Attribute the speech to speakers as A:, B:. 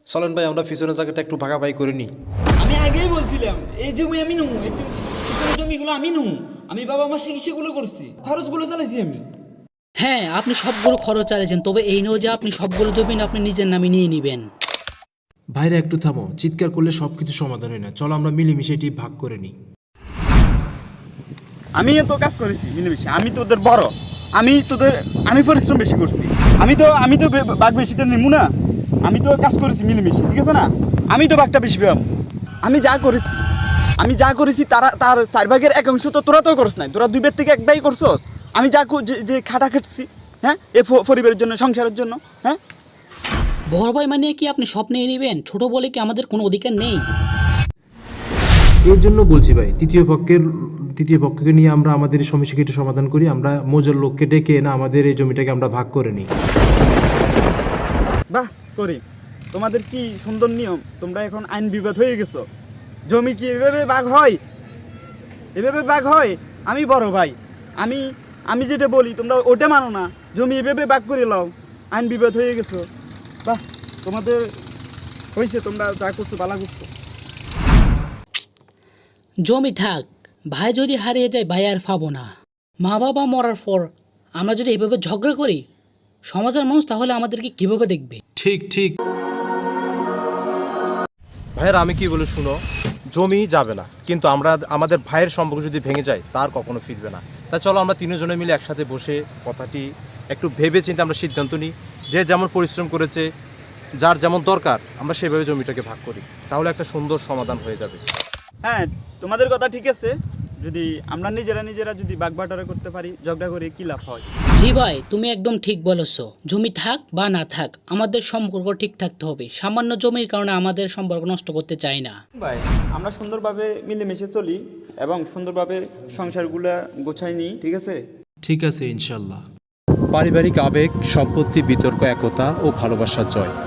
A: চলেন ভাই আমরা পিছনের জায়গাটা একটু ভাগাভাগি করে নিই।
B: আমি আগেই বলছিলাম এই জমি আমি নেবো, এই পিছনের জমিগুলো আমি নেবো। আমি বাবা আমার চিকিৎসাগুলো করছি, খরচগুলো চালাইছি আমি।
C: হ্যাঁ, আপনি সবগুলো খরচ চালিয়েছেন, তবে এই নয় যে আপনি সবগুলো জমি আপনি নিজের নামে নিয়ে নেবেন।
D: ভাইরা একটু থামো, চিৎকার করলে সব কিছু সমাধান হয় না। চলো আমরা মিলেমিশে এটি ভাগ করে নিই।
E: আমি তো কাজ করেছি মিলেমিশে, আমি তোদের বড়, আমি পরিশ্রম বেশি করছি, আমি তো বাঘ বেশিটা নিমু না। আমি তো কাজ করেছি মিলেমিশে, ঠিক আছে না? আমি তো বাঘটা বেশি পাবো। আমি যা করেছি তার 4 ভাগের 1 অংশ তো তোরা তো করছ নাই, তোরা 2 ভাগ থেকে 1 ভাগ করছস। আমি যে খাটা খেটছি, হ্যাঁ, এ পরিবারের জন্য, সংসারের জন্য, হ্যাঁ।
C: বড় ভাই মানে কি আপনি সব নিয়ে নেবেন? ছোট বলে কি আমাদের কোনো অধিকার নেই?
D: এর জন্য বলছি ভাই, তৃতীয় পক্ষকে নিয়ে আমরা আমাদের এই সমস্যাকে একটু সমাধান করি। আমরা মজার লোককে ডেকে না আমাদের এই জমিটাকে আমরা ভাগ করে নিই।
E: বাহ, করি। তোমাদের কি সুন্দর নিয়ম, তোমরা এখন আইন বিবাদ হয়ে গেছো। জমি কি এভাবে ভাগ হয়? এভাবে ভাগ হয়? আমি বড় ভাই, আমি যেটা বলি তোমরা ওটা মানো না, জমি এভাবে ভাগ করে লাও, আইন বিবাদ হয়ে গেছো। বাহ, তোমাদের হয়েছে, তোমরা যা করছো ভালো করছো।
C: জমি থাক, ভাই যদি হারিয়ে যায় ভাই আর পাবো না। মা বাবা মরার পর আমরা যদি এভাবে ঝগড়া করি, সমাজের মানুষ তাহলে আমাদেরকে কিভাবে দেখবে?
A: ঠিক ঠিক ভাইয়ের আমি কি বলে শুনো, জমি যাবে না, কিন্তু আমাদের ভাইয়ের সম্পর্ক যদি ভেঙে যায় তার কখনো ফিরবে না। তা চলো আমরা তিনজনে মিলে একসাথে বসে কথাটি একটু ভেবে চিন্তে আমরা সিদ্ধান্ত নিই, যে যেমন পরিশ্রম করেছে, যার যেমন দরকার, আমরা সেভাবে জমিটাকে ভাগ করি, তাহলে একটা সুন্দর সমাধান হয়ে যাবে।
E: হ্যাঁ, তোমাদের কথা ঠিক আছে। যদি আমরা নিজেরা যদি বাগবাটোয়ারা করতে পারি, ঝগড়া করে কি লাভ হয়?
C: জি ভাই, তুমি একদম ঠিক বলেছো। জমি থাক বা না থাক, আমাদের সম্পর্ক ঠিক থাকতে হবে। সামান্য জমির কারণে আমাদের সম্পর্ক নষ্ট করতে চাই না।
E: ভাই, আমরা সুন্দরভাবে মিলেমিশে চলি এবং সুন্দরভাবে সংসারগুলা গোছাই নিই, ঠিক আছে?
D: ঠিক আছে, ইনশাল্লাহ।
A: পারিবারিক আবেগ, সম্পত্তি, বিতর্ক, একতা ও ভালোবাসার জয়।